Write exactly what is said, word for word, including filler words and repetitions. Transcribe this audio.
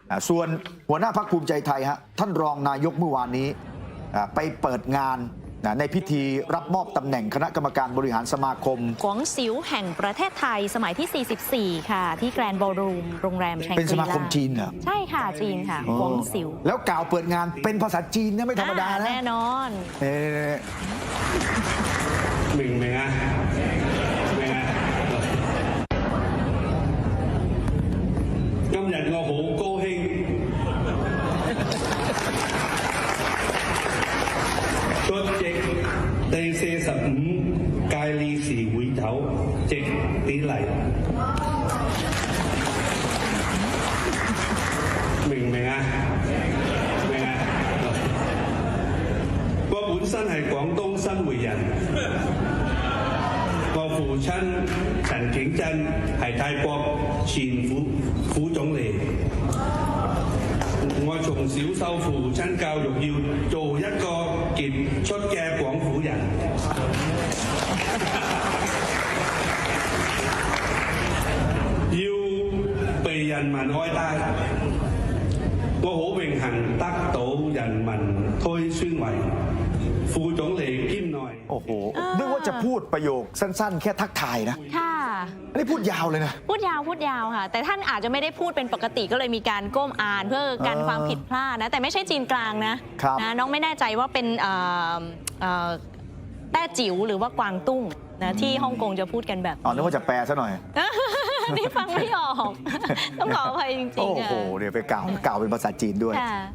ส่วนหัวหน้าพรรคภูมิใจไทยฮะท่านรองนายกเมื่อวานนี้ไปเปิดงานในพิธีรับมอบตำแหน่งคณะกรรมการบริหารสมาคมกวงซิวแห่งประเทศไทยสมัยที่ สี่สิบสี่ ค่ะที่แกรนด์บอลรูมโรงแรมแชงกรีลาเป็นสมาคมจีนเหรอใช่ค่ะจีนค่ะกวงซิวแล้วกล่าวเปิดงานเป็นภาษาจีนเนี่ยไม่ธรรมดานะแน่นอน明唔明啊？明啊！今日我好高興，出席第四十五屆理事會頭席典禮，明唔明啊？明啊！我本身係廣東新會人。我父親陳景真係泰國前副副總理，我從小受父親教育要做一個傑出嘅廣府人，要被人民愛戴。我好榮幸得到人民推選為副總理兼內。 โอ้โหนึกว่าจะพูดประโยคสั้นๆแค่ทักทายนะค่ะอันนี้พูดยาวเลยนะพูดยาวพูดยาวค่ะแต่ท่านอาจจะไม่ได้พูดเป็นปกติก็เลยมีการก้มอ่านเพื่อกันความผิดพลาดนะแต่ไม่ใช่จีนกลางนะนะน้องไม่แน่ใจว่าเป็นแต้จิ๋วหรือว่ากวางตุ้งนะที่ฮ่องกงจะพูดกันแบบอ๋อนึกว่าจะแปลซะหน่อยนี่ฟังไม่ออกต้องขออภัยจริงๆโอ้โหเดี๋ยวไปกล่าวกล่าวเป็นภาษาจีนด้วย